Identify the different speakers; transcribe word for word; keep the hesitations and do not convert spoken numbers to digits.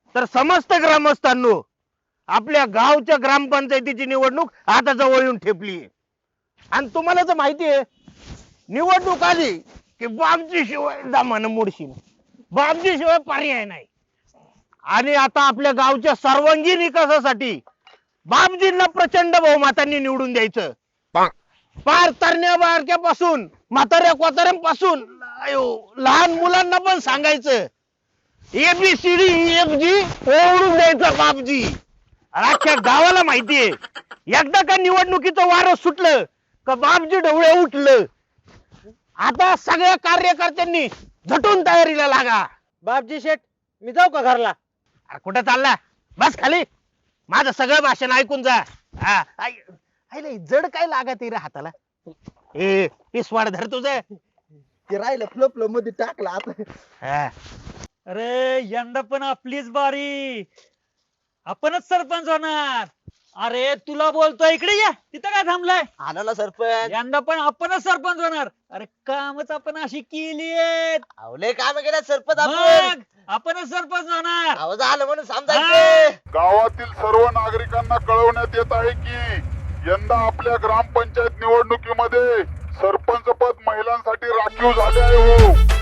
Speaker 1: तर समस्त ग्रामस्थांनो आपल्या गावच्या ग्रामपंचायतीची निवडणूक आता जवळ येऊन ठेपली आणि तुम्हाला तर माहिती आहे निवडणूक आली की बापजी शिवाय दामान मोडशील बापजी शिवाय पर्याय नाही आणि आता आपल्या गावच्या सर्वांगीण विकासासाठी बापजींना प्रचंड बहुमतांनी निवडून द्यायचं पार तरण्या बारक्यापासून म्हाताऱ्या कोताऱ्यांपासून लहान मुलांना पण सांगायचं एबीसीडी एफ जी ओढून द्यायचं बापजी अख्ख्या गावाला माहितीये एकदा का निवडणुकीचं वारं सुटलं का बापजी ढवळे उठलं आता सगळ्या कार्यकर्त्यांनी झटून तयारीला लागा
Speaker 2: बापजी शेठ मी जाऊ का घरला?
Speaker 1: अरे कुठं चालला बस खाली माझं सगळं भाषण ऐकून जा हा आई- आईला जड काय लागत रे हाताला ए पिसवाड धर तुझं
Speaker 2: ते राहिलं फ्लो फ्लो मध्ये टाकला आता.
Speaker 1: हा.
Speaker 3: अरे यंदा पण आपलीच बारी आपणच सरपंच होणार. अरे तुला बोलतोय इकडे या तिथं काय थांबलाय
Speaker 2: आला ना सरपंच.
Speaker 3: यंदा पण आपणच सरपंच होणार. अरे कामच आपण अशी केली
Speaker 2: आवले काम केलं सरपंच आपण.
Speaker 3: आपणच सरपंच होणार.
Speaker 2: आवाज आलं म्हणून समजायचं.
Speaker 4: गावातील सर्व नागरिकांना कळवण्यात येत आहे की यंदा आपल्या ग्रामपंचायत निवडणुकीमध्ये सरपंच पद महिलांसाठी राखीव झाले आहे हो.